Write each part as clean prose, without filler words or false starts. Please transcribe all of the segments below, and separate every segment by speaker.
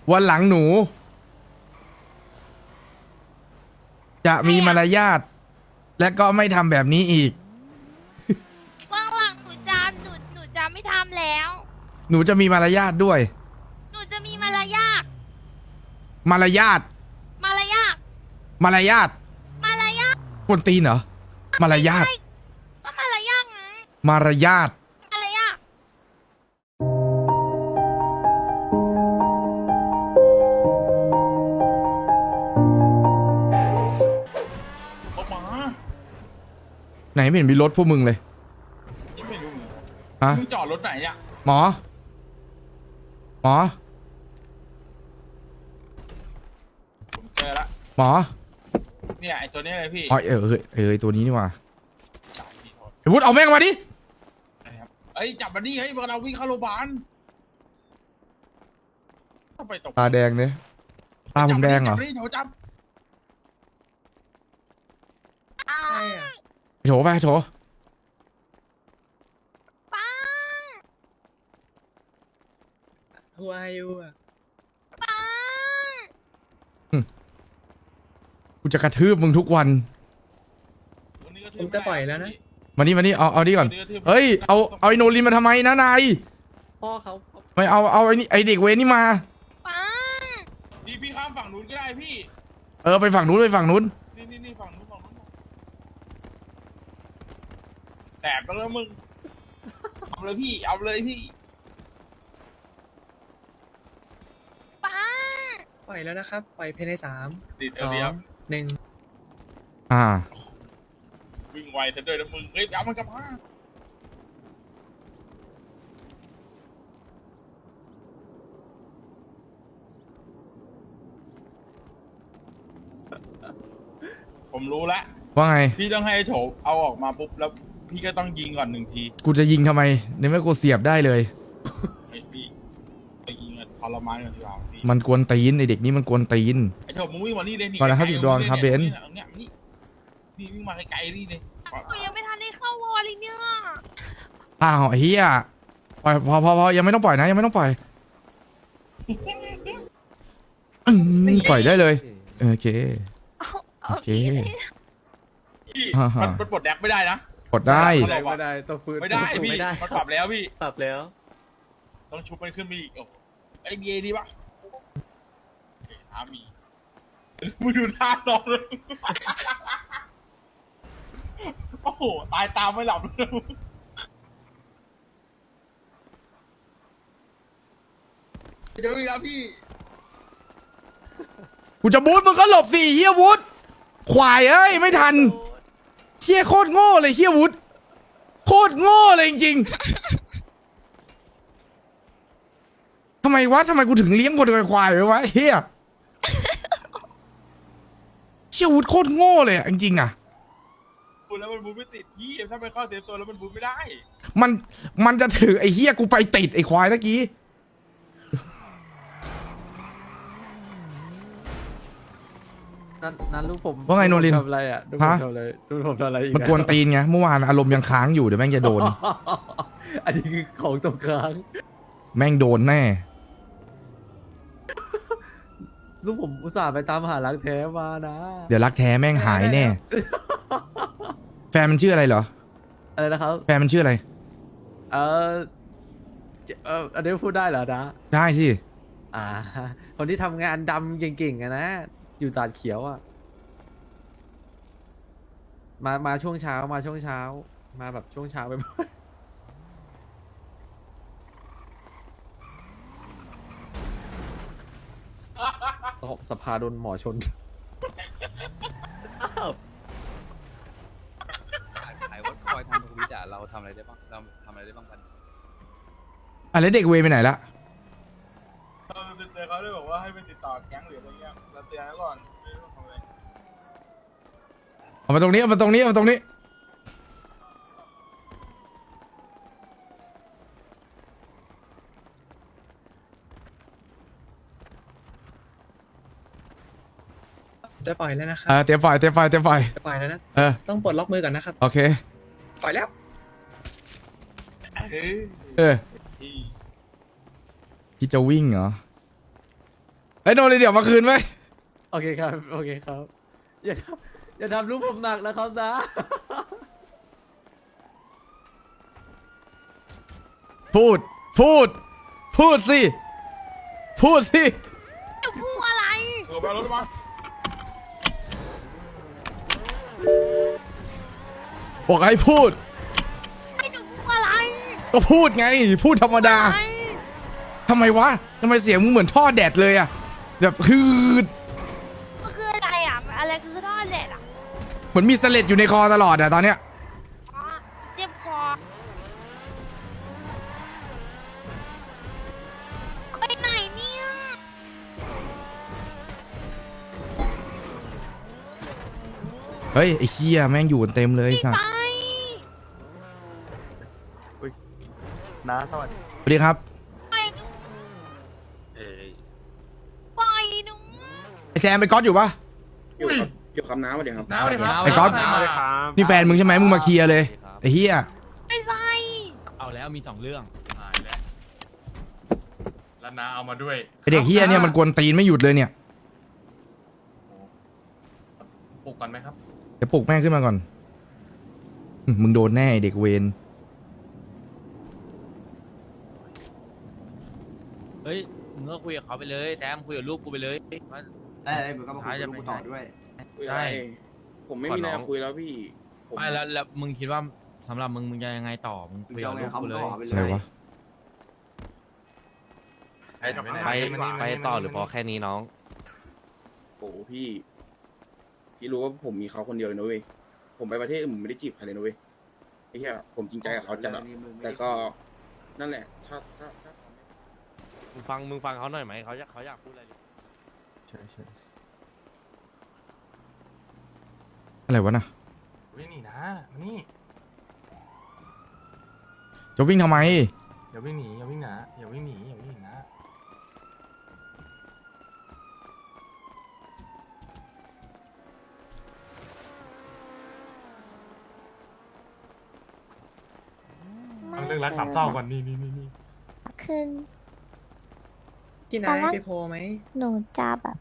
Speaker 1: วันหลังหนู จะมีมารยาทและก็ไม่ทำแบบนี้อีก
Speaker 2: ว่างหลังหนูจะไม่ทำแล้ว
Speaker 1: หนูจะมีมารยาทด้วย
Speaker 2: หนูจะมีมารยาท
Speaker 1: มารยาท
Speaker 2: มารยาท
Speaker 1: มารยาท
Speaker 2: มารยาท
Speaker 1: กวนตีนเหรอมารยาท
Speaker 2: ใช่ก็มารยาทไง
Speaker 1: มารยาท
Speaker 2: มารยาท
Speaker 3: ออกมา
Speaker 1: ไหนไม่เห็นมีรถพวกมึงเลย
Speaker 3: ที่ไม่รู้
Speaker 1: ฮะ
Speaker 3: มึงจอดรถไหนเนี่ย
Speaker 1: หมอ หมอ
Speaker 3: ผมเจอละ
Speaker 1: หมอ
Speaker 3: เนี่ยไอตัวนี้เลยพี่
Speaker 1: อ๋อตัวนี้นี่หว่า
Speaker 3: จับพี่โทษ
Speaker 1: ไอ้วุฒิเอาแม่งมาดิ
Speaker 3: นะครับเอ้ยจับมันนี่เฮ้ยเราวิ่งเข้าโรงพยาบาลต้องไปตก
Speaker 1: ตาแดงเนี่ยตาผมแดงเหรอ
Speaker 3: จับมันนี่โถจับ
Speaker 2: อ้าว
Speaker 1: โถไปโถ
Speaker 2: ป้า
Speaker 4: Who are you อ่ะ
Speaker 2: ป้า
Speaker 1: กูจะกระทืบมึงทุกวัน
Speaker 3: ตัวนี้ก็
Speaker 4: ผมจะปล่อยแล้วนะ
Speaker 1: มานี่เอาดิก่อน
Speaker 3: ตัวทืบ
Speaker 1: เฮ้ยเอาไอ้โนรินมาทำไมนะนาย
Speaker 4: พ่อเขา
Speaker 1: ไม่เอาไอ้นี่ไอ้เด็กเวรนี่มา
Speaker 2: ป้า
Speaker 3: พี่ข้ามฝั่งนู้นก็ได้พี่
Speaker 1: ไปฝั่งนู้นไปฝั่งนู้น
Speaker 3: นี่ฝั่งนู้นแสบแล้วมึงเอาเลยพี่เอาเลยพี่
Speaker 2: ป้า
Speaker 4: ปล่อยแล้วนะครับ ปล่อยภายใน
Speaker 3: ติด
Speaker 4: 3
Speaker 3: เดียว
Speaker 4: 2 1
Speaker 3: วิ่งไวซะด้วยนะมึงเฮ้ยเอามันกลับมา ผมรู้แล้ว
Speaker 1: ว่าไง
Speaker 3: พี่ต้องให้โถเอาออกมาปุ๊บแล้วพี่ก็ต้องยิงก่อน1 ที
Speaker 1: กูจะยิงทำไมในเมื่อกูเสียบได้เลย
Speaker 3: ไอ้พี่ไปยิงอะทรมานกันดีกว่าพี่
Speaker 1: มันกวนตีนไอเด็กนี่มันกวนตีน
Speaker 3: ไอ้โถมึงวิ่งมานี่เลยนี่
Speaker 1: ก่อนนะครับ
Speaker 3: ไกลๆ
Speaker 1: สิบดวงครับเบนซ์
Speaker 3: เนี่ยนี่วิ่งมาไกลๆนี่เลย
Speaker 2: หนูยังไม่ทันได้เข้าวอลเลยเนี่ย
Speaker 1: อ้าวไอ้เหี้ยปล่อยพอยังไม่ต้องปล่อยนะยังไม่ต้องปล่อยปล่อยได้เลยโอเค โอเค
Speaker 3: พี่
Speaker 1: ฮ่าๆ
Speaker 3: มันปลดแดกไม่ได้นะ
Speaker 1: กดได้
Speaker 4: ไม่ได้ต้องฟื้น
Speaker 3: ไม่ได้พี่
Speaker 4: ไม่ได้
Speaker 3: มันปรับแล้วพี่
Speaker 4: ปรับแล้ว
Speaker 3: ต้องชุบมันขึ้นไปอีกโอ้โหไอ้เบียดีปะโอเคท้ามีมึงดูท่านอนเลยโอ้โหตายตามไม่หลับเลยเดี๋ยวอีกแล้วพี่
Speaker 1: กูจะบูทมึงก็หลบสิเฮียวุฒควายเอ้ยไม่ทันเฮียโคตรโง่เลยเฮียวุฒโคตรโง่เลยจริงๆทำไมกูถึงเลี้ยงคนควายไว้วะเฮียเฮียวุฒโคตรโง่เลยอะจริงๆอะ
Speaker 3: บูแล้วมันบูไม่ติดพี่ถ้ามันเข้าเซฟโซนแล้วมันบูไม่ได้
Speaker 1: มันจะถือไอ้เฮียกูไปติดไอ้ควายตะกี้
Speaker 5: นั้นลูกผม
Speaker 1: ว่าไงโนริน
Speaker 5: ทำอะไรอ่ะลูกผม
Speaker 1: ฮะ
Speaker 5: ทำอะไรลูกผมทำอะไรอีก
Speaker 1: มันกวนตีนไงเมื่อวานอารมณ์ยังค้างอยู่เดี๋ยวแม่งจะโดน
Speaker 5: อันนี้คือของตรงกลาง
Speaker 1: แม่งโดนแน่
Speaker 5: ลูกผมอุตส่าห์ไปตามหารักแท้มานะ
Speaker 1: เดี๋ยวรักแท้แม่งหายแน่ แฟนมันชื่ออะไรเหรอ
Speaker 5: อะไรนะครับ
Speaker 1: แฟนมันชื่ออะไร
Speaker 5: เอออันนี้พูดได้เหรอนะ
Speaker 1: ได้สิ
Speaker 5: อ่า คนที่ทำงานดำเก่งๆอะนะอยู่ตาดเขียวอ่ะมาช่วงเช้ามาช่วงเช้า มาแบบช่วงเช้าไปบ่อยตกสภาโดนหมอชน
Speaker 6: ขายวัดคอยทำทวิตอะเราทำอะไรได้บ้างเราทำอะไรได้บ้างกัน
Speaker 1: แล้วเด็กเวย์ไปไหนละ
Speaker 3: เราเตือนเขาด้วยบอกว่าให้ไปติดต่อแก๊งหรืออะไรเงี้ยเราเตือนเขาก่อนไม่รู้ทำอะไร
Speaker 1: เอามาตรงนี้เอามาตรงนี้เอามาตรงนี้
Speaker 4: จะปล่อยแล้วนะครับ
Speaker 1: เตรียมไฟเตรียมไฟเตรียมไฟ
Speaker 4: จะปล่อยแล้วนะ
Speaker 1: เออ
Speaker 4: ต้องปลดล็อกมือก่อนนะครับ
Speaker 1: โอเค
Speaker 4: ปล่อยแล้ว
Speaker 3: เฮ้ย
Speaker 1: เออ
Speaker 3: พี่
Speaker 1: ที่จะวิ่งเหรอไอ้โนเลยเดี๋ยวมาคืนไหม
Speaker 5: โอเคครับ โอเคครับ อย่าทำลูกผมหนักนะครับนะ
Speaker 1: พูด พูด พูดสิ พูดสิ
Speaker 2: จะพูดอะไร
Speaker 3: ไปรถมา
Speaker 1: บอกให้พูด
Speaker 2: ให้หนูพูดอะไร
Speaker 1: ก็พูดไง พูดธรรมดา
Speaker 2: อะไร
Speaker 1: ทำไมวะทำไมเสียงมึงเหมือนท่อแดดเลยอะแบบฮืด
Speaker 2: มันคืออะไรอ่ะอะไรคือท่อเล็ดอ่ะ
Speaker 1: เหมือนมีสเลดอยู่ในคอตลอดอะตอนเนี้ย
Speaker 2: อ๋อเจ็บคอไปไหนเนี่ย
Speaker 1: เฮ้ยไอ้เคียแม่งอยู่กันเต็มเลย
Speaker 2: ไป
Speaker 1: สัส
Speaker 2: ไป
Speaker 7: น้าสวัสดี
Speaker 1: สวัสดีครับ
Speaker 2: ไปหนูไปหนู
Speaker 1: ไอ้แจมไปก๊อตอยู่ปะ
Speaker 7: อยู่คำน้ำมาเดี๋ยวครับ
Speaker 6: น้าสวัสดีครับ
Speaker 1: ไอ้ก๊อต นี่แฟนมึงใช่ไหมมึงมาเคลียร์เลยไอ้เฮีย
Speaker 2: ไปใส่
Speaker 6: เอาแล้วมี2 เรื่องแล้วน้าเอามาด้วย
Speaker 1: ไอเด็กเฮียเนี่ยมันกวนตีนไม่หยุดเลยเนี่ย
Speaker 6: ปลุกก่อนไหมครับ
Speaker 1: เดี๋ยวปลุกแม่งขึ้นมาก่อนมึงโดนแน่ไอ้เด็กเวน
Speaker 8: เฮ้ย มึงก็คุยกับเขาไปเลยแซมคุยกับลูกกูไปเลยว่า
Speaker 7: ได้มึงก็มาคุยกับลูกกูต่อด้วย
Speaker 8: ใช่
Speaker 7: ผมไม่มีอะไรคุยแล้วพี่
Speaker 8: ไม่แล้วมึงคิดว่าสำหรับมึงจะยังไงต่อ มึงคุยกับลูกกูเลย
Speaker 1: อะไรวะ
Speaker 8: ไปต่อหรือพอแค่นี้น้อง
Speaker 7: โอ้พี่รู้ว่าผมมีเขาคนเดียวเลยนะเว้ยผมไปประเทศอื่นผมไม่ได้จีบใครเลยนะเว้ยไอ้เหี้ยผมจริงใจกับเขาจัดอะแต่ก็นั่นแหละถ้า
Speaker 8: มึงฟังเขาหน่อยไหมเขาอยากพูดอะไร
Speaker 7: ใช่
Speaker 1: อะไรวะน่ะ
Speaker 6: วิ่งหนีนะมานี่
Speaker 1: จะวิ่งทำไม
Speaker 6: อย่าวิ่งหนีอย่าวิ่งนะอย่าวิ่งหนีอย่าวิ่งหนีนะฟังเรื่องรักสามเศร้าก่อนนี่
Speaker 9: คือ
Speaker 4: กิน
Speaker 9: ตอ
Speaker 4: อะ
Speaker 9: น
Speaker 4: ไร
Speaker 9: แรก
Speaker 4: ไปโพลไหม
Speaker 9: หนูจะแบบ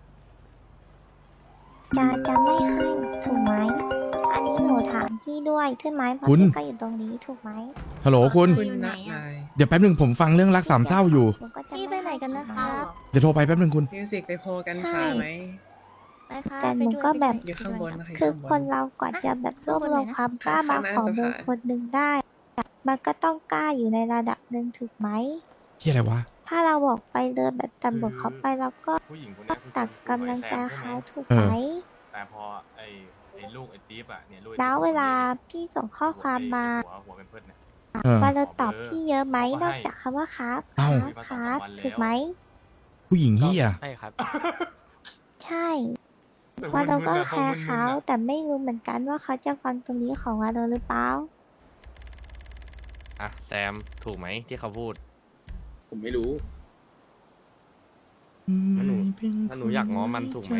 Speaker 9: จะไม่ให้ถูกไหม อันนี้หนูถามพี่ด้วยใช่ไหมเพราะ
Speaker 1: คุณ
Speaker 9: พี่ก็อยู่ตรงนี้ถูกไหม
Speaker 1: ฮัลโหลคุณ
Speaker 4: คุณนักนาย
Speaker 1: เดี๋ยวแป๊บหนึ่งผมฟังเรื่องรักสามเศร้าอยู่
Speaker 9: หนูก็จะ
Speaker 2: พี่ไปไหนกันนะครับ
Speaker 1: เดี๋ยวโทรไปแป๊บหนึ่งคุณ
Speaker 4: มิวสิกไปโพลกันช้าไหม
Speaker 9: แต่หนูก็แบบ
Speaker 4: อยู่ข้างบนนะคะ
Speaker 9: คือคนเราก่อนจะแบบรวบรวมความกล้ามาขอเบอร์คนหนึ่งได้ มันก็ต้องกล้าอยู่ในระดับหนึ่งถูกไหม
Speaker 1: เฮียอะไรวะ
Speaker 9: ถ้าเราบอกไปเลยแบบตำรวจเขาไปเราก็
Speaker 6: ผู้หญิงคนนี้คือ
Speaker 9: ตักกำลังใจเขาถูก
Speaker 1: เออ
Speaker 9: ไหม
Speaker 6: แต่พอไอ้ลูกไอ้ติ๊บอ่ะเนี่ยลูก
Speaker 9: แล้วเวลาพี่ส่งข้อความมา
Speaker 6: หัวเป็นเพื่อนเนี่ย
Speaker 1: เออ
Speaker 9: ว่าเราตอบพี่เยอะไหม
Speaker 6: เขาก็ให้
Speaker 9: นอกจากคำว่าครับ
Speaker 1: เอ้า
Speaker 9: ครับถูกไหม
Speaker 1: ผู้หญิงเฮีย
Speaker 8: ใช่ครับ
Speaker 9: ใช่ว่าเราก็แคร์เขาแต่ไม่รู้เหมือนกันว่าเขาจะฟังตรงนี้ของเราหรือเปล่า
Speaker 8: อ่ะแซมถูกไหมที่เขาพูด
Speaker 7: ผมไม่รู้
Speaker 8: ถ้าหนูอยากง้อมันถูกไหม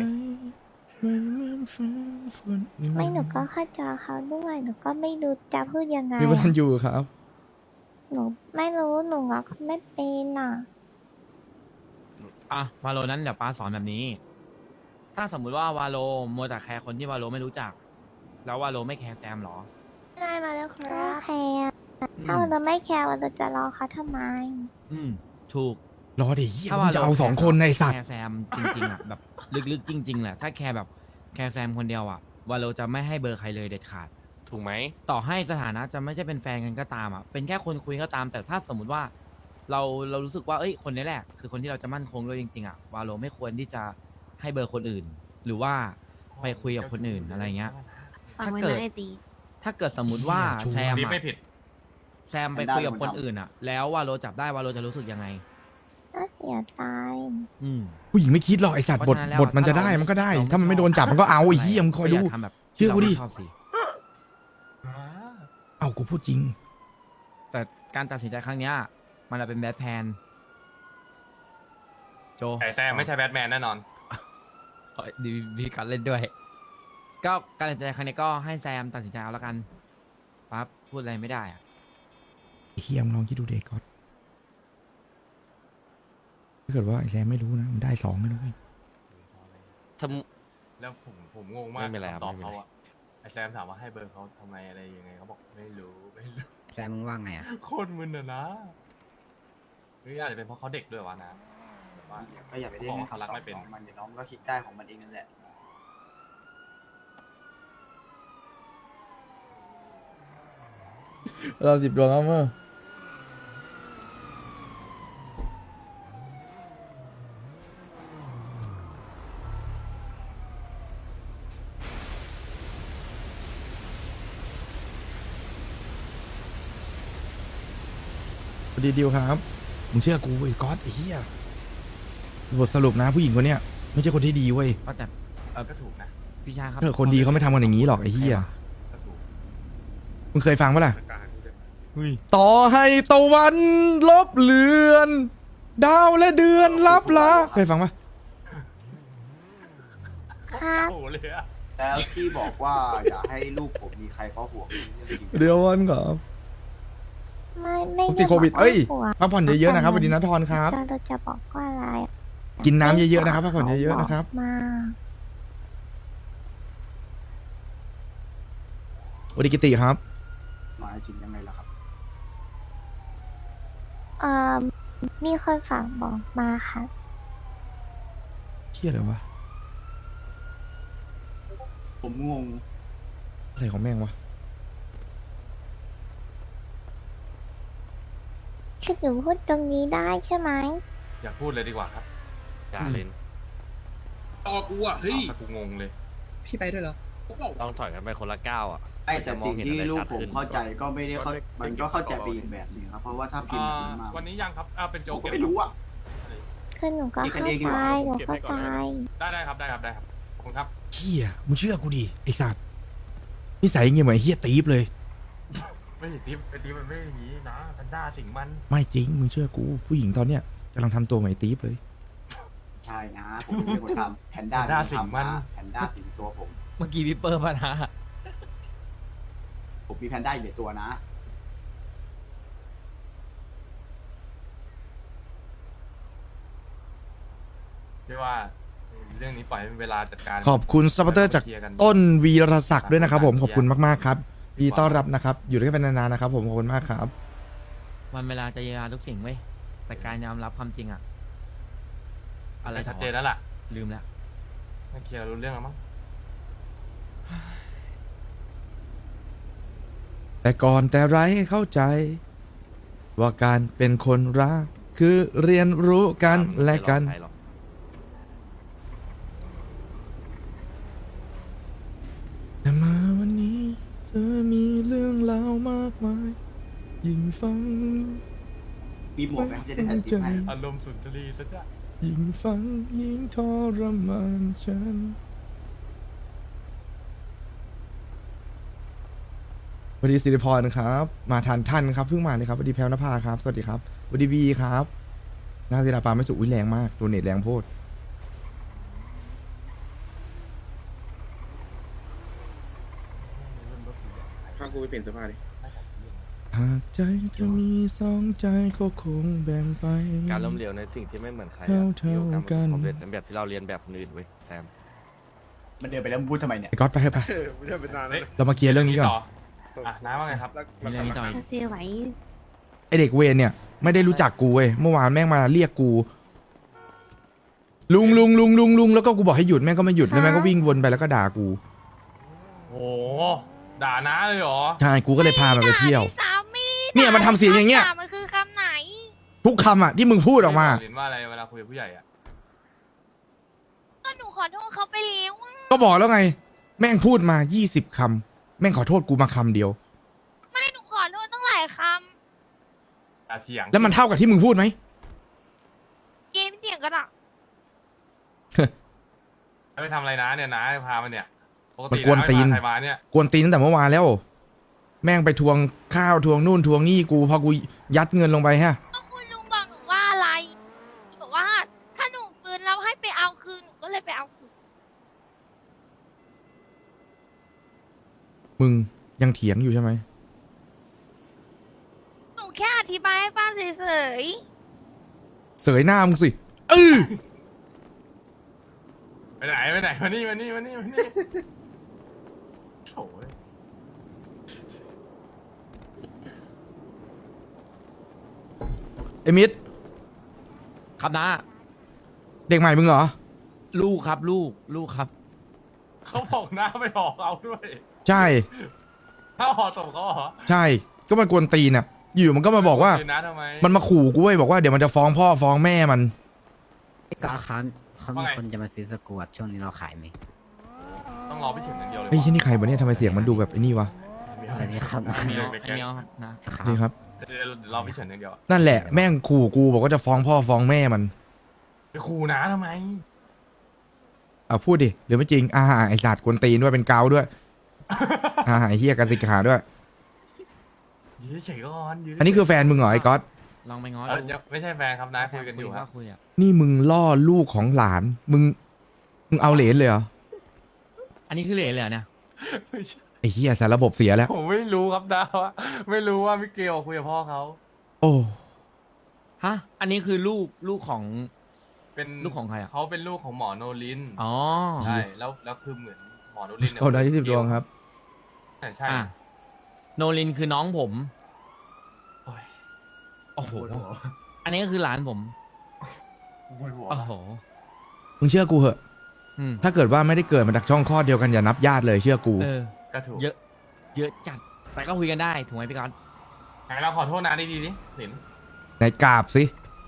Speaker 9: ไม่หนูก็เข้าใจเขาด้วยหนูก็ไม่รู้จะพูดยังไง
Speaker 1: พี่พันอยู่ครับ
Speaker 9: หนูไม่รู้หนูรักเขาไม่เป็นอ่ะ
Speaker 8: อ่ะวาโลนั้นเดี๋ยวป้าสอนแบบนี้ ถ้าสมมุติว่าวาโลมัวแต่แคร์คนที่วาโลไม่รู้จัก แล้ววาโลไม่แคร์แซมเหรอ
Speaker 2: ได้มาแล้วค
Speaker 9: ก็
Speaker 2: รับ
Speaker 9: แคร์ถ้าเราไม่แคร์เราจะรอเขาทำไม
Speaker 8: อืมถูก
Speaker 1: รอดิเฮีย
Speaker 8: ถ้า
Speaker 1: มึ
Speaker 8: ว่าง
Speaker 1: จะเอาสองคนในสัตว์
Speaker 8: แคร์แซมจริงๆอ่ะ แบบลึกๆจริงๆแหละถ้าแคร์แบบแคร์แซมคนเดียวอ่ะวาโลจะไม่ให้เบอร์ใครเลยเด็ดขาด ถูกไหมต่อให้สถานะจะไม่ใช่เป็นแฟนกันก็ตามอ่ะเป็นแค่คนคุยก็ตาม แต่ถ้าสมมุติว่าเรารู้สึกว่าเอ้ยคนนี้แหละ คือคนที่เราจะมั่นคงด้วยจริงๆอ่ะวาโลไม่ควรที่จะให้เบอร์คนอื่น หรือว่าไปคุยกับคนอื่นอะไรเงี้ย
Speaker 2: ฟังไว้
Speaker 8: ถ้าเกิด
Speaker 2: นะไอตี
Speaker 8: ถ้าเกิดสมมุติว่า
Speaker 1: ชัวร์
Speaker 8: แซม
Speaker 6: ติ๊บ
Speaker 8: อะ
Speaker 6: ไม่ผิด
Speaker 8: แซมไปคุยกับคนอื่นอ่ะ แล้ววาโลจับได้วาโลจะรู้สึกยังไง
Speaker 9: น่าเสียใจ
Speaker 8: อืม
Speaker 1: ผู้หญิงไม่คิดหรอกไอสัตว์
Speaker 8: เพ
Speaker 1: บ
Speaker 8: ราะ
Speaker 1: ท
Speaker 8: ฉะนั้นแล้ว
Speaker 1: บทมันจะ
Speaker 8: ถ้า
Speaker 1: ได้
Speaker 8: เรา
Speaker 1: มันก็ได้
Speaker 8: เราไม่
Speaker 1: ถ้ามันไม่โดนจับมันก็เอาไอ้เหี้ยมึงคอยดู
Speaker 8: ทำแบบ
Speaker 1: เชื่อกูดิ
Speaker 8: ที่ราไม่ชอบสิ
Speaker 1: เอากูพูดจริง
Speaker 8: แต่การตัดสินใจครั้งเนี้ยมันอาจเป็นแบดแพนโจ
Speaker 6: แต่แซมไม่ใช่แบทแมนแน่นอน
Speaker 8: ดีการเล่นด้วย ก็การตัดสินใจครั้งนี้ก็ให้แซมตัดสินใจเอาแล้วกันปั๊บพูดอะไรไม่ได้อะ
Speaker 1: ไอ้เฮียมงลองคิดดูเด็กก่อนถ้าเกิดว่าไอ้แซมไม่รู้นะมันได้สองไม่รู้เว้ย
Speaker 6: แล้วผมงงมาก
Speaker 8: ไม่เป็นไรครับ
Speaker 6: คำตอบ
Speaker 8: ไม่เป็นไร
Speaker 6: เขาอะไอแซมถามว่าให้เบอร์เขาทำไมอะไรยังไงเขาบอกไม่รู้ไม่รู้
Speaker 4: แซมมึงว่าไงอ่ะ
Speaker 6: โคตรมึนอะนะหรืออาจจะเป็นเพราะเขาเด็กด้วยวะนะแบบว่า
Speaker 10: ก็อย่าไปเรียก
Speaker 6: บอกว่าเขารักไม่เป็น
Speaker 10: ของมันเดี๋ยวน้องก็คิดได้ของมันเองนั่นแหละ
Speaker 1: เรา10 ดวงครับเมื่อสวัสดีดิวครับ มึงเชื่อกูไอ้ก๊อตไอ้เหี้ยบทสรุปนะผู้หญิงคนเนี้ยไม่ใช่คนที่ดีเว้ย
Speaker 8: ก็แต่
Speaker 6: ก็ถูกนะ
Speaker 8: พี่ชายครับ
Speaker 1: คนดีเขาไม่ทำกันอย่างนี้หรอกไอ้เหี้ย
Speaker 6: ก็ถูก
Speaker 1: มึงเคยฟังปะล่ะ
Speaker 8: เฮ้ย
Speaker 1: ต่อให้ตะวันลบเลือน ดาวและเดือนลับละเคยฟังปะ
Speaker 9: ครับ
Speaker 6: โอ้โหเลยอะ
Speaker 10: แล้วที่บอกว่าอย่าให้ลูกผมมีใครเพราะห่วงนี่เรื่องจริง
Speaker 1: เดี๋ยววันก่อน
Speaker 9: ไม่
Speaker 1: ผมติดโควิด
Speaker 9: ไบอก
Speaker 1: เอ้ย
Speaker 9: ว่า
Speaker 1: พักผ่อนเยอะๆนะครับสวัสดีนะทอนครับ
Speaker 9: เราจะบอกว่าอะไร
Speaker 1: กินน้ำเยอะๆนะครับพักผ่อนเยอะๆนะครับ
Speaker 9: มา
Speaker 1: สวัสดีกิติครับ
Speaker 10: หมายถึงยังไงล่ะครับ
Speaker 9: เอ่อมีคนฝากบอกมาค่ะ
Speaker 1: เที่ยอะไรวะ
Speaker 10: ผมงง
Speaker 1: อะไรของแม่งวะ
Speaker 9: คือหนูพูดตรงนี้ได้ใช่ไหม
Speaker 6: อย่าพูดเลยดีกว่าครับอย่าเล่น
Speaker 3: ต่อกูอ่ะเฮ้ย
Speaker 6: ถ้ากูงงเลย
Speaker 4: พี่ไปด้วยเหรอ
Speaker 3: กูบอก
Speaker 6: ต้องถอยกันไปคนละก้าวอ่ะ
Speaker 10: ไอ้แต่สิ่งที่ลูกผมเข้าใจก็ไม่ได้เข้ามันก็เข้าใจไปอีกแบบหนึงครับ เพราะว่าถ้าพิมพ์แบบนี้มา
Speaker 6: วันนี้ยังครับเป็น
Speaker 10: ผ
Speaker 6: โจ๊ก
Speaker 10: มก็
Speaker 6: เก็บ
Speaker 10: ไม่รู้อ่ะ
Speaker 9: คือหนูก็
Speaker 10: คิดกั
Speaker 9: เข้าน
Speaker 10: เองดี
Speaker 9: ใจ
Speaker 10: กว่า
Speaker 9: หนูเข้าใจ
Speaker 6: ได้ครับได้ครับขอบคุณครับ
Speaker 1: เที่ยมึงเชื่อกูดิไอ้สัตว์นิสัยเงี้ยเหมือนไอ้เฮียตีฟเลย
Speaker 6: ไม่ใช่ติ๊บไอ้ติ๊บมันไม่อย่างนี้นะพันด้าสิงมัน
Speaker 1: ไม่จริงมึงเชื่อกูผู้หญิงตอนเนี้ยกำลังทำตัวเหมือนไอ้ตีฟเลย
Speaker 10: ใช่นะ ผมเป็นคนทำแพนด้า
Speaker 6: แพนด้าสิงมัน
Speaker 10: แพนด้าสิงตัวผม
Speaker 8: เมื่อกี้พี่เปิร์มานะ
Speaker 10: ผมมีแพนด้าอยู่ในตัวนะ
Speaker 6: เรียกว่าเรื่องนี้ปล่อยให้เป็นเวลาจัดการ
Speaker 1: ขอบคุณซัพพอร์เตอร์จาก
Speaker 6: เคลียกัน
Speaker 1: ต้นวีรศักดิ์ด้วยนะครับผมขอบคุณมากๆครับยินดีต้อนรับนะครับ อยู่ด้วยกันเป็นนานๆนะครับผมขอบคุณมากครับ
Speaker 8: วันเวลาจะเยียวยาทุกสิ่งเว้ยแต่การยอมรับความจริงอะอะไร
Speaker 6: ชัดเจนแล้วล่ะ
Speaker 8: ลืมแล้ว
Speaker 6: ไม่เคลียร์รู้เรื่องแล้วมั้ง
Speaker 1: แต่ก่อนแต่ไรเข้าใจ ว่าการเป็นคนรักคือเรียนรู้กันและกัน แต่มาวันนี้เธอมีเรื่องเล่ามากมายยิ่งฟัง
Speaker 10: มีหมวกไหมจะได้ใส่ติ๊บให้
Speaker 6: อารมณ์สุนทรีย์ซะจ้ะ
Speaker 1: ยิ่งฟังยิ่งทรมานฉันสวัสดีสิริพรครับ มาทันท่านครับเพิ่งมาเลยครับสวัสดีแพลวนภาครับสวัสดีครับสวัสดีบีครับนาศิลาปาไม่สุอุ้ยแรงมากโดเนทแรงโพด
Speaker 7: พากูไปเปลี่ยนเสื้อผ้าดิ
Speaker 1: หากใจจะมีสองใจก็คงแบ่งไป
Speaker 6: การล้มเหลวในสิ่งที่ไม่เหมือนใคร
Speaker 1: เท่าๆ
Speaker 6: มีโอกาส
Speaker 1: กัน
Speaker 6: สำเร็จในแบบที่เราเรียนแบบคนอื่นเว้ยแซม
Speaker 10: มันเดินไปแล้วมึงพูดทำไมเนี่ย
Speaker 1: ไอ้ก๊อตไปเถอะไป
Speaker 3: ไม่ได้เป็นนานแล้ว
Speaker 1: เรามาเคลียร์เรื่องนี้ก่อน
Speaker 6: น้าว่าไงครับ
Speaker 8: มีเรื่องนี้ต่ออีก
Speaker 9: เจไหว
Speaker 1: ไอเด็กเวรเนี่ยไม่ได้รู้จักกูเว้ยเมื่อวานแม่งมาเรียกกู ลุงแล้วก็กูบอกให้หยุดแม่งก็ไม่หยุดแล้วแม่งก็วิ่งวนไปแล้วก็ด่ากู
Speaker 6: โอ้ด่าน้าเลยเหรอ
Speaker 1: ใช่กูก็เลยพามันไปเที่ยว
Speaker 2: ด่าพี่สามี
Speaker 1: เนี่ยมันทำเสียงอย่างเงี้ย
Speaker 2: มันคือคำไหน
Speaker 1: ทุกคำอ่ะที่มึงพูดออกมา
Speaker 6: เรียนว่าอะไรเวลาคุยกับผู้ใหญ่อะ
Speaker 2: ก็หนูขอโทษเขาไปแล้วอะ
Speaker 1: ก็บอกแล้วไง แม่งพูดมา20 คำแม่งขอโทษกูมาคำเดียว
Speaker 2: ไม่หนูขอโทษตั้งหลายค
Speaker 6: ด่าเสียง
Speaker 1: แล้วมันเท่ากับที่มึงพูดไหม
Speaker 2: ำเกมเสียงกันอ่ะ
Speaker 6: ไปทำอะไรนะเนี่ยน้าพามันเนี่ยปก
Speaker 1: มัน
Speaker 6: ติ
Speaker 1: กวนตีน
Speaker 6: าไม่พาใครมาเนี่ย
Speaker 1: กวนตีนตั้งแต่เมื่อวานแล้ว แม่งไปทวงข้าวทวงนู่นทวงนี่กูพอกูยัดเงินลงไปฮะ
Speaker 2: ก็คุณลุงบอกหนูว่าอะไรบอกว่าถ้าหนูฟื้นแล้วให้ไปเอาคืนหนูก็เลยไปเอาคืน
Speaker 1: มึงยังเถียงอยู่ใช่ไหม
Speaker 2: หนูแค่อธิบายให้ฟังเฉย
Speaker 1: เสยหน้ามึงสิ
Speaker 6: ไปไหนมานี่โถ่เว้ย
Speaker 1: ไอ้มิด
Speaker 8: ครับนะ
Speaker 1: เด็กใหม่มึงเหรอ
Speaker 8: ลูกครับลูกครับ
Speaker 6: เขาบอกหน้าไม่ออกเอาด้วย
Speaker 1: ใช่
Speaker 6: ถ้าออกตบเขาเหรอ
Speaker 1: ใช่ก็มันกวนตีนอ่ะอยู่มันก็มาบอกว่า
Speaker 6: คืนนะทำไม
Speaker 1: มันมาขู่กูเว้ยบอกว่าเดี๋ยวมันจะฟ้องพ่อฟ้องแม่มัน
Speaker 4: ก็เขามี
Speaker 6: ว่าไง
Speaker 4: คนจะมาซื้อสกวตช่วงนี้เราขายไหม
Speaker 6: ต้องรอพี่เฉินอย่างเดียวเลย
Speaker 1: เฮ้ยที่นี่ใครวะเนี่ยทำไมเสียงมันดูแบบไอ้นี่วะ
Speaker 4: อันนี้ครับ
Speaker 6: มี
Speaker 8: อัน
Speaker 6: เด็ก
Speaker 8: นี้ครับนะ
Speaker 4: ครับ
Speaker 1: นี่ครับ
Speaker 6: เดี๋ยวรอพี่เฉินอย่างเดียว
Speaker 1: นั่นแหละแม่งขู่กูบอกว่าจะฟ้องพ่อฟ้องแม่มัน
Speaker 6: ไปขู่นะทำไม
Speaker 1: เอาพูดดิหรือไม่จริงไอสัตว์กวนตีนด้วยเป็นเกาด้วยไอเฮียกันสิขาด้วย
Speaker 6: ยืดเฉยก่อนยืด
Speaker 1: อันนี้คือแฟนมึงเหรอไอ้ก๊อต
Speaker 8: ลองไปง้อ
Speaker 6: ยังไม่ใช่แฟนครับน้าคุยกันอยู่ครับ
Speaker 8: คุยอ่ะ
Speaker 1: นี่มึงล่อลูกของหลานมึงเอาเหรนเลยเหรอ
Speaker 8: อันนี้คือเหรียญเลยเหรอเนี่ย
Speaker 6: ไม่ใช่
Speaker 1: ไอ้เฮียสารระบบเสียแล้ว
Speaker 6: ผมไม่รู้ครับน้าว่าไม่รู้ว่ามิเกลคุยกับพ่อเขา
Speaker 1: โอ้
Speaker 8: ฮะอันนี้คือลูกของ
Speaker 6: เป็น
Speaker 8: ลูกของใครอะ
Speaker 6: เขาเป็นลูกของหมอโนลิน
Speaker 8: อ๋อ
Speaker 6: ใช่แล้วคือเหมือนหมอโนลินเนี่ย
Speaker 1: โอ้ได้20 ดวงครับ
Speaker 6: ใช่
Speaker 8: อ่ะโนลินคือน้องผม
Speaker 6: โอ้ย
Speaker 8: โอ้โหอันนี้ก็คือหลานผม
Speaker 6: ปวดหัว
Speaker 8: โอ้โห
Speaker 1: มึงเชื่อกูเหอะ
Speaker 8: อืม
Speaker 1: ถ้าเกิดว่าไม่ได้เกิดมาจากช่องคลอดเดียวกันอย่านับญาติเลยเชื่อกู
Speaker 8: เออ
Speaker 6: ก็ถูก
Speaker 8: เยอะจัดแต่ก็คุยกันได้ถูกไหมพี่ก๊อต
Speaker 6: ไหนเราขอโทษนะดีๆดิสิน
Speaker 1: ไหนกราบสิ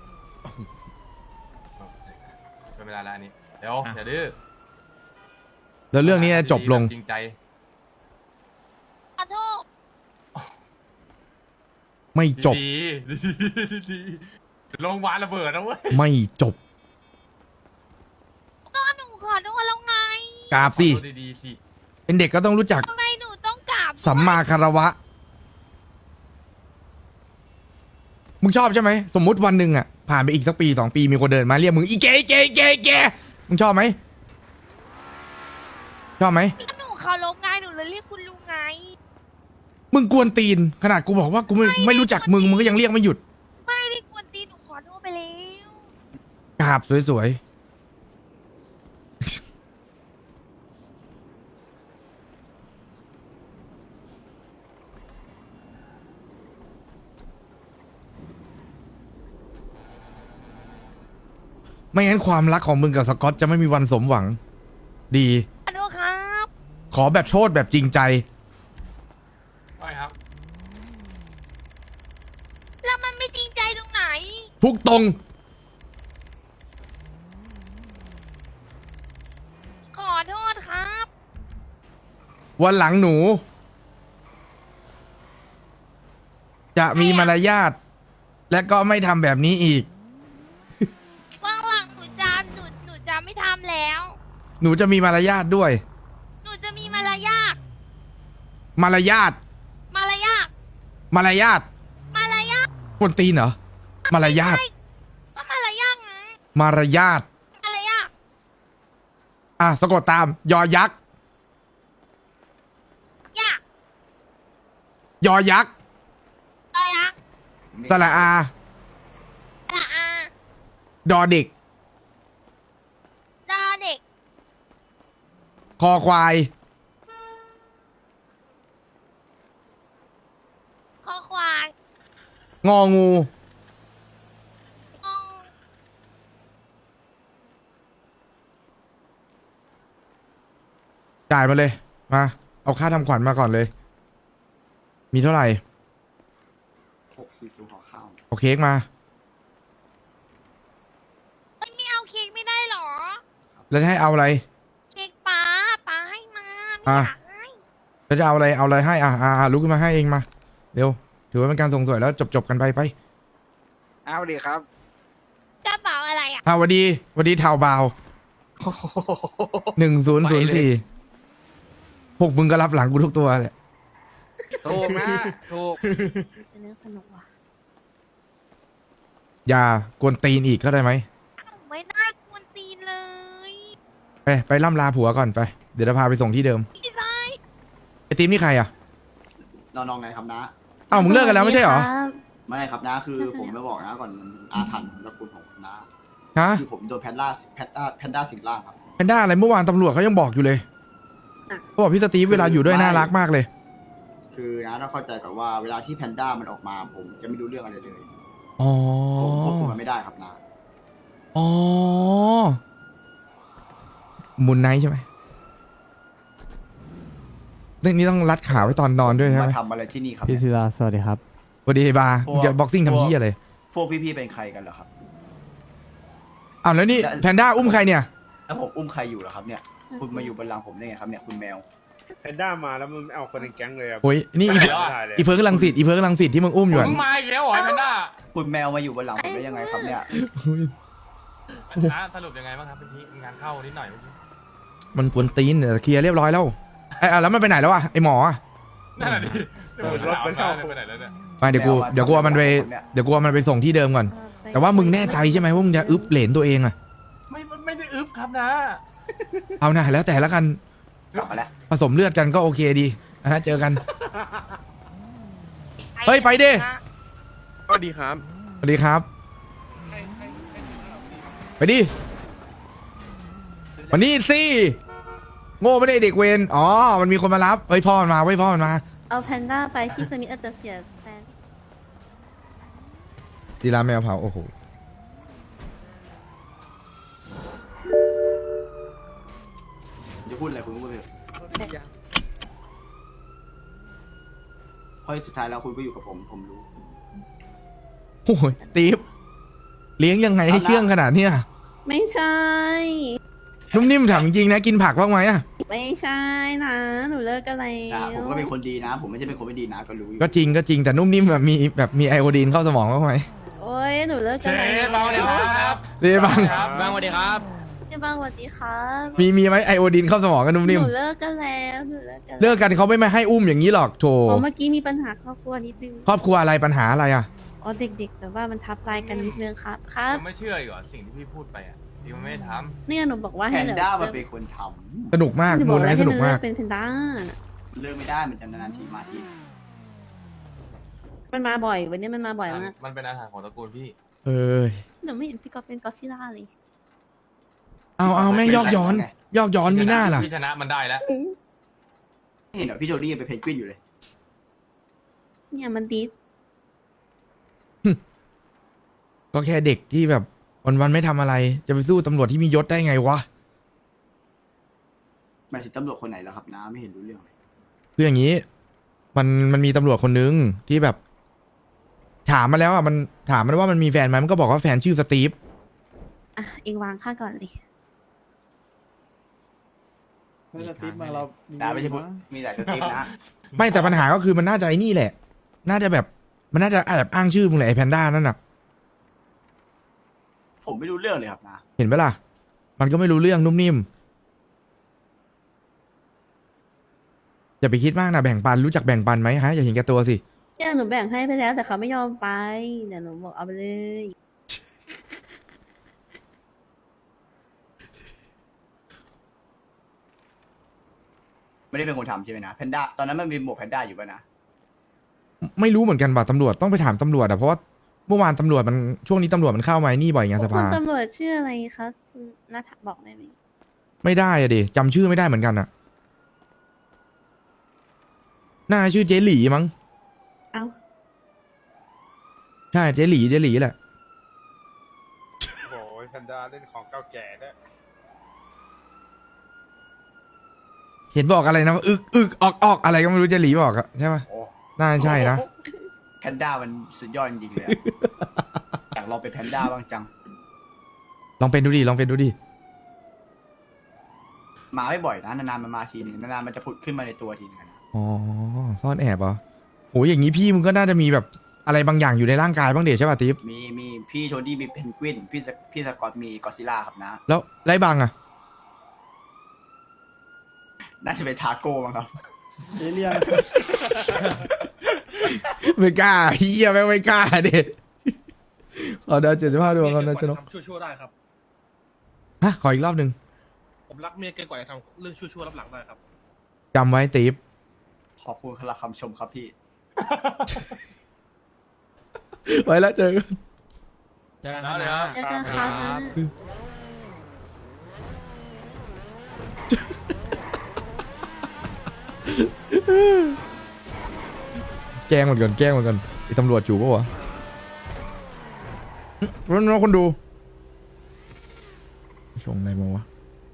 Speaker 6: เป็นเวลาแล้วอันนี้เดี๋ยวอย่าดื้อ
Speaker 1: แล้วเรื่องนี้จะจบลง
Speaker 6: จริงใจ
Speaker 2: ขอโทษ
Speaker 1: ไม่จบ
Speaker 6: ดีๆดีๆโรงพยาบาลระเบิดนะเว้ย
Speaker 1: ไม่จบ
Speaker 2: ก็หนูขอโทษแล้วไง
Speaker 1: กราบสิ
Speaker 6: ขอโทษดีๆสิ
Speaker 1: เป็นเด็กก็ต้องรู้จัก
Speaker 2: ทำไมหนูต้องกราบ
Speaker 1: สัมมาคารวะ มึงชอบใช่ไหมสมมุติวันหนึ่งอ่ะผ่านไปอีกสักปี2 ปีมีคนเดินมาเรียกมึงอีเก๋มึงชอบไหมชอบไหม
Speaker 2: ก็หนูเคารพไงหนูเลยเรียกคุณลุงไง
Speaker 1: มึงกวนตีนขนาดกูบอกว่ากูไม่รู้จักมึงก็ยังเรียกไม่หยุด
Speaker 2: ไม่ได้กวนตีนหนูขอโทษไปแล้ว
Speaker 1: กราบสวยๆไม่งั้นความรักของมึงกับสกอตจะไม่มีวันสมหวัง ดี
Speaker 2: ขอโทษครับ
Speaker 1: ขอแบบโทษแบบจริงใจ
Speaker 6: ใช่ครับ
Speaker 2: แล้วมันไม่จริงใจตรงไหน
Speaker 1: ทุกตรง
Speaker 2: ขอโทษครับ
Speaker 1: วันหลังหนู จะมีมารยาทและก็ไม่ทำแบบนี้อีก
Speaker 2: ว่างหลังหนูจะไม่ทำแล้ว
Speaker 1: หนูจะมีมารยาทด้วย
Speaker 2: หนูจะมีมารยาท
Speaker 1: มารยาท
Speaker 2: มารยาท
Speaker 1: มารยาท
Speaker 2: มารยาท
Speaker 1: คนตีนเหรอ มารยาท
Speaker 2: ก็มารยาทไง
Speaker 1: มารยาท
Speaker 2: มารยาท
Speaker 1: อ่ะสะกดตาม ยอยักษ์
Speaker 2: ยาก
Speaker 1: ยอยักษ์
Speaker 2: มารยาท
Speaker 1: สระอา
Speaker 2: ละอา
Speaker 1: ดอเด็ก
Speaker 2: ดาเด็ก
Speaker 1: คอควาย
Speaker 2: คอควาย
Speaker 1: งองู
Speaker 2: งง
Speaker 1: จ่ายมาเลย มา เอาค่าทำขวัญมาก่อนเลย มีเท่าไหร่
Speaker 10: 640ขอข้าว
Speaker 1: เอาเค้กมา
Speaker 2: ไม่เอาเค้กไม่ได้หรอ
Speaker 1: แล้วจะให้เอาอะไร
Speaker 2: เค้กป้าให้มาไม่
Speaker 1: อ่ะ
Speaker 2: อยากให้
Speaker 1: แล้วจะเอาอะไร เอาอะไรให้ ลุกขึ้นมาให้เองมา เร็ว ถือว่าเป็นการส่งสวยแล้วจบกันไป
Speaker 4: เอาดีครับ
Speaker 2: กระเป๋าอะไรอ่ะ
Speaker 1: หวัดดีเท่าเบา1004พวกมึงก็รับหลังกูทุกตัวแหละ
Speaker 4: ถูกนะถูก
Speaker 2: เป็นเรื่องสนุกว่ะ
Speaker 1: อย่ากวนตีนอีกเข้าใจไหม
Speaker 2: ไม่ได้กวนตีนเลย
Speaker 1: ไปล่ำลาผัวก่อนไป เดี๋ยวจะพาไปส่งที่เดิม
Speaker 2: พี่ชาย
Speaker 1: ไอทีมนี่ใครอ่ะ
Speaker 10: น้องๆไงครับนะ
Speaker 1: เอ้ามึงเลิกกันแล้วไม่ใช่เหรอ
Speaker 10: ไม่ครับนะคือผมไม่บอกนะก่อนมันอาถรรพ์ตระกูลของนะ
Speaker 1: ฮะ
Speaker 10: คือผมโดนแพนด้าสิงร่างครับ
Speaker 1: แพนด้าอะไรเมื่อวานตำรวจเขายังบอกอยู่เลยเขาบอกพี่สตีฟเวลาอยู่ด้วยน่ารักมากเลย
Speaker 10: คือนะต้องเข้าใจก่อนว่าเวลาที่แพนด้ามันออกมาผมจะไม่รู้เรื่องอะไรเลย
Speaker 1: อ๋อ
Speaker 10: ผมควบคุมมันไม่ได้ครับนะ
Speaker 1: อ๋อมูนไนท์ใช่ไหมเรื่องนี้ต้องรัดขาไว้ตอนนอนด้วยใช่ไหม
Speaker 10: มาทำอะไรที่นี่ครับ
Speaker 5: พี่ศิลาสวัสดีครับ
Speaker 1: สวัสดีบาร์จะบ็อกซิ่งทำเหี้ยเลย
Speaker 10: พวกพี่ๆเป็นใครกันเหรอครับ
Speaker 1: อ้าวแล้วนี่แพนด้าอุ้มใครเนี่ย
Speaker 10: แล้วผมอุ้มใครอยู่เหรอครับเนี่ย คุณมาอยู่บนหลังผมได้ไงครับเนี่ยคุณแมว
Speaker 7: แพนด้ามาแล้วมันเอาคนในแก๊งเลยอ่ะ
Speaker 1: โอ้ยนี่อี
Speaker 6: ไม่ได้เลย
Speaker 1: เพิร์กลังสิตอีเพิร์กลังสิตที่มึงอุ้มอยู่อะ
Speaker 6: มึงมาอีกแล้วเหรอไอ้แพนด้า
Speaker 10: คุณแมวมาอยู่บนหลังผมได้ยังไงครับเนี่ย
Speaker 6: นะสรุปยังไงบ้างครับเป็นที่งานเข้านิดหน่อยเมื่อกี้
Speaker 1: มันกวนตีนแต่เคลียร์เรียบร้อยแล้วไอ้แล้วมันไปไหนแล้ววะไอ้หมออะ
Speaker 6: นั่นแหละดิเดี๋ยวผมถามนะไปไหนแล้วเนี่ย
Speaker 1: ไปเดี๋ยวกูเอามันไปส่งที่เดิมก่อน แต่ว่ามึงแน่ใจใช่ไหมว่ามึงจะอึบเหรนตัวเองอะ
Speaker 6: ไม่ได้อึบครับนะ
Speaker 1: เอานะแล้วแต่ละกัน
Speaker 10: กลับมาแล้ว
Speaker 1: ผสมเลือดกันก็โอเคดีนะฮะเจอกัน เฮ้ยไปดิ
Speaker 7: สวัสดีครับ
Speaker 1: สวัสดีครับ ไปดิวันนี้สิโง่ไม่ได้เด็กเวรอ๋อมันมีคนมารับเฮ้ยพ่อมันมาเว้ยพ่อมันมา
Speaker 9: เอาแพนด้าไปพี่สมิธอาจจะเสียแฟน
Speaker 1: ดีราแมวเผาโอ้โห
Speaker 10: จะพูดอะไรคุณก็พูดไปเถอะเพราะสุดท้ายแล้วคุณก็อยู่กับผมรู้
Speaker 1: โอ้ยตีฟเลี้ยงยังไงให้เชื่องขนาดเนี้ย
Speaker 9: ไม่ใช่
Speaker 1: นุ่มนิ่มถามจริงๆนะกินผักบ้างไหมอะ
Speaker 9: ไม่ใช่นะหนูเลิกกันแล้
Speaker 10: ผม
Speaker 9: ว
Speaker 10: ก็เป็นคนดีนะ ผมไม่ใช่เป็นคนไม่ดีนะก็รู้อยู่
Speaker 1: ก็จริงแต่นุ่มนิ่มแบบมีไอโอดีนเข้าสมองบ้างไหม
Speaker 9: โอ้ยหนูเลิก
Speaker 6: เช
Speaker 9: กันแล้ว
Speaker 6: ฟเบาเลยครับ
Speaker 1: เรียบัง
Speaker 8: บางสวัสดีครับ
Speaker 9: พี่บังสวัสดีครับ
Speaker 1: มีไหมไอโอดีนเข้าสมองกันนุ่ม
Speaker 9: ห
Speaker 1: นิ่ม
Speaker 9: นูเลิกกันแล้วหนูเลิกกัน
Speaker 1: เลิกกันเขาไม่ให้อุ้มอย่างนี้หรอกโถ
Speaker 9: อ๋อเมื่อกี้มีปัญหาครอบครัวนิดนึง
Speaker 1: ครอบครัวอะไรปัญหาอะไรอะ
Speaker 9: อ๋อเด็กๆแต่ว่ามันทับลายกันนิดนึงครับครับ
Speaker 6: ยังไม่เชื่ออีกเหรอสิ่งที่พี่พูดไปอ่ะที่มันไม่ได้ท
Speaker 9: เนี่ยหนูบอกว่า
Speaker 10: แพ
Speaker 9: ให้
Speaker 10: น
Speaker 9: เหลือ
Speaker 10: ด้ามันเป็นคนท
Speaker 1: สนุกมาก
Speaker 9: หนูบ
Speaker 1: มู
Speaker 9: อก
Speaker 1: นไน
Speaker 9: แล้ว
Speaker 1: ท์
Speaker 9: ให้
Speaker 1: ส
Speaker 9: ห
Speaker 1: นุ
Speaker 9: นู
Speaker 1: ก
Speaker 9: เลิ
Speaker 1: มาก
Speaker 9: กเป็นแพนด้า
Speaker 10: ำเลิกไม่ได้มันจะนานๆทีมาที
Speaker 9: มันมาบ่อยวันนี้มันมาบ่อยมาก
Speaker 6: ำมันเป็นอาหารของตระกูลพี่
Speaker 1: เออ
Speaker 9: หนูไม่เห็นพี่กอฟเป็นกอซิล่าเลย
Speaker 1: เอาแม่งยอกย้อนมีหน้าล่ะ
Speaker 6: พี่ชนะมันได้แล้ว
Speaker 10: เห็นเหรอพี่โจดี้ยังเป็นเพนกวินอยู่เลย
Speaker 9: เนี่ยมันดีด
Speaker 1: ก็แค่เด็กที่แบบวันๆไม่ทำอะไร จะไปสู้ตำรวจที่มียศได้ไงวะ
Speaker 10: มันถึงตำรวจคนไหนแล้วครับน้าไม่เห็นรู้เรื่องเลย
Speaker 1: คืออย่างนี้ มันมีตำรวจคนนึงที่แบบ ถามมาแล้วอ่ะมันถามมันว่ามันมีแฟนไหมมันก็บอกว่าแฟนชื่อสตีฟ
Speaker 9: อ่ะเองวางค่าก่อนเลย
Speaker 10: สตีฟมาเราน้าไม่ใช่พูดมีแต่สตีฟนะ
Speaker 1: ไม่แต่ปัญหาก็คือมันน่าจะไอ้นี่แหละ น่าจะแบบมันน่าจะแอบอ้างชื่อมึงแหละไอ้แพนด้านั่นน่ะ
Speaker 10: ผมไม่รู้เรื่องเลยครับนะ
Speaker 1: เห็นไหมล่ะ มันก็ไม่รู้เรื่องนุ่มนิ่มอย่าไปคิดมากนะแบ่งปันรู้จักแบ่งปันไหมฮะอย่าเห็นแก่ตัวสิ
Speaker 9: เนี่ยหนูแบ่งให้ไปแล้วแต่เขาไม่ยอมไปเดี๋ยวหนูบอกเอาไปเลย
Speaker 10: ไม่ได้เป็นคนทำใช่ไหมนะแพนด้าตอนนั้นมันมีหมวกแพนด้าอยู่ป่ะนะ
Speaker 1: ไม่รู้เหมือนกันว่ะตำรวจต้องไปถามตำรวจอะเพราะว่าเมื่อวานตำรวจมันช่วงนี้ตำรวจมันเข้ามานี่บ่อยไงส
Speaker 9: คุ
Speaker 1: ภา
Speaker 9: ณตำรวจชื่ออะไรคะคุณนัทบอกได้ไหม
Speaker 1: ไม่ได้อะดิจำชื่อไม่ได้เหมือนกันอะน่าชื่อเจหลีมั้ง
Speaker 9: เอ้า
Speaker 1: ใช่เจหลีแหละ
Speaker 7: โอ้ยแพนด้าเล่นของเก่าแก่ด้วย
Speaker 1: เห็นบอกอะไรนะว่าอึกออกอะไรก็ไม่รู้เจหลีบอกอะใช่ปะ
Speaker 10: โอ้
Speaker 1: น่าใช่นะ
Speaker 10: แพนด้ามันสุดยอดจริงๆเลยอะ อยากลองเป็นแพนด้าบ้างจัง
Speaker 1: ลองเป็นดูดิ
Speaker 10: มาไม่บ่อยนะนานๆมันมาทีหนึ่งนานๆมันจะผุดขึ้นมาในตัวทีหนึงอะนะ
Speaker 1: อ๋อซ่อนแอบเหรอโหอย่างนี้พี่มึงก็น่าจะมีแบบอะไรบางอย่างอยู่ในร่างกายบ้างเดชใช่ป่ะติ๊บ
Speaker 10: มีพี่โทดี้มีเพนกวินพี่สกอตมีกอซิล่าครับนะ
Speaker 1: แล้วไรบางอะ
Speaker 10: น่าจะเป็นทาโก้มั้งครับ
Speaker 5: เอเลียน
Speaker 1: ไม่กล้าเฮียไม่กล้าเด็ดขอดาว75ดวงครับนะชนก
Speaker 3: ชั่วๆได้ครับ
Speaker 1: ฮะขออีกรอบหนึ่ง
Speaker 3: ผมรักเมียเกินกว่าจะทำเรื่องชั่วๆรับหลังได้ครับ
Speaker 1: จำไว้ติ๊บ
Speaker 10: ขอบคุณสำหรับคำชมครับพี่
Speaker 1: ไว้แล้วเจอกัน
Speaker 8: เจอกัน
Speaker 6: แล้ว
Speaker 8: นะ
Speaker 6: เดี๋ยว
Speaker 9: เจอกันครับ
Speaker 1: แกล้งมันก่อนแกล้งมันก่อนไอ้ตำรวจอยู่ปะวะน้องคนดูส่งอะไรมาวะ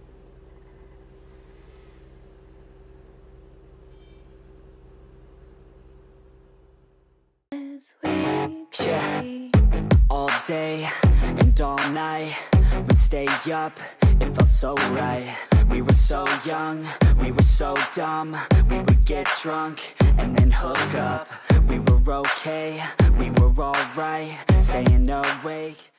Speaker 11: All day and all night, we'd stay up, it felt so right. We were so young, we were so dumb. We would get drunk and then hook up. We were okay, we were alright, staying awake.